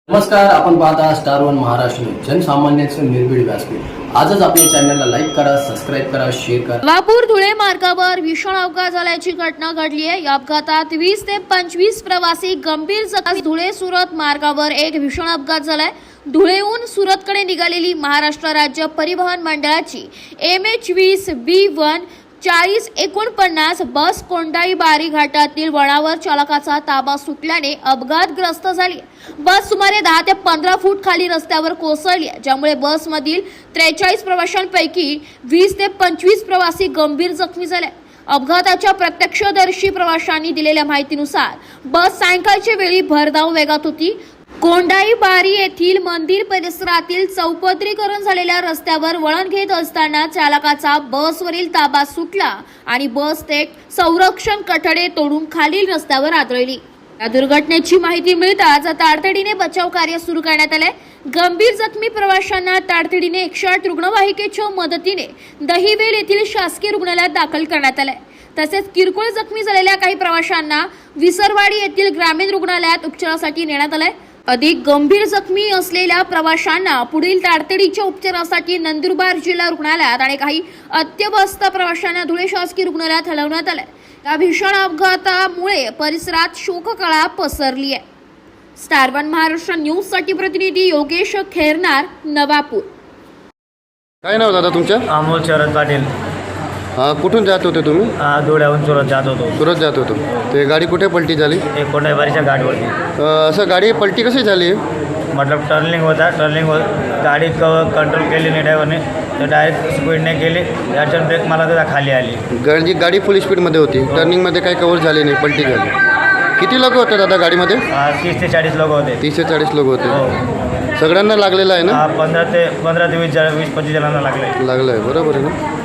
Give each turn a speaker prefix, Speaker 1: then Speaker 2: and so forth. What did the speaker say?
Speaker 1: नमस्कार, आपण पाहता स्टार वन महाराष्ट्र न्यूज, जनसामान्यांचे निर्भीड व्यासपीठ। आजच आपल्या चॅनलला लाईक करा, सबस्क्राईब करा, शेअर करा।
Speaker 2: नवापूर धुळे मार्गावर भीषण अपघात झाल्याची घटना घडली आहे। या अपघातात 20 ते 25 प्रवासी गंभीर जखमी। धुळे सुरत मार्गावर एक भीषण अपघात झालाय। धुळेहून सुरतकडे निघालेली महाराष्ट्र राज्य परिवहन मंडळाची MH20B1 4049 बस कोंडाई बारी घाटातील वळणावर चालकाचा ताबा सुटल्याने अपघातग्रस्त झाली। बस सुमारे 10 ते 15 फूट खाली रस्त्यावर कोसळली, ज्यामुळे बसमधील 43 प्रवाशांपैकी 20 ते 25 प्रवासी गंभीर जखमी झाले। अपघाताच्या प्रत्यक्षदर्शी प्रवाशांनी दिलेल्या माहितीनुसार बस सायंकाळच्या वेळी भरधाव वेगात होती। कोंडाई बारी येथील मंदिर परिसरातील चौपदरीकरण झालेल्या रस्त्यावर वळण घेत असताना चालकाचा बसवरील ताबा सुटला आणि बस थेट संरक्षण कठडे तोडून खालील रस्त्यावर आदळली। या दुर्घटनेची माहिती मिळताच तातडीने बचाव कार्य सुरू करण्यात आले। गंभीर जखमी प्रवाशांना तातडीने 108 रुग्णवाहिकेच्या मदतीने दहिवेल येथील शासकीय रुग्णालयात दाखल करण्यात आले। तसेच किरकोळ जखमी झालेल्या काही प्रवाशांना विसरवाडी येथील ग्रामीण रुग्णालयात उपचारासाठी नेण्यात आले। अधिक गंभीर जखमी असलेल्या प्रवाशांना पुढील तातडीच्या उपचारासाठी नंदुरबार जिल्हा रुग्णालयात आणि काही अत्यवस्थ प्रवाशांना धुळे शासकीय रुग्णालयात हलवण्यात आले। या भीषण अपघातामुळे परिसरात शोककळा पसरली आहे। स्टार वन महाराष्ट्र न्यूज साठी प्रतिनिधी योगेश खेरनार, नवापूर।
Speaker 3: काय नाव दादा तुमचं?
Speaker 4: अमोल शरद पाटील।
Speaker 3: कुठून जात होते तुम्ही?
Speaker 4: धुळ्याहून सुरत जात होतो।
Speaker 3: सुरत जात होतो। ते गाडी कुठे पलटी झाली?
Speaker 4: एक कोंडाईबारीच्या गाडीवरती।
Speaker 3: असं गाडी पलटी कशी झाली?
Speaker 4: मतलब टर्निंग होता, गाडी कंट्रोल केली नाही ड्रायव्हरने, तर डायरेक्ट स्पीडने केली, अडचण ब्रेक मला त्याचा खाली आली।
Speaker 3: गाडी फुल स्पीडमध्ये होती, टर्निंगमध्ये काही कव्हर झाली नाही, पलटी झाली। किती लोक होते दादा गाडीमध्ये?
Speaker 4: 30 ते 40 लोक होते।
Speaker 3: 30 ते 40 लोक होते।
Speaker 4: हो।
Speaker 3: सगळ्यांना लागलेलं आहे ना?
Speaker 4: 15 ते 20-25 जणांना लागले।
Speaker 3: लागलं आहे, बरोबर आहे ना?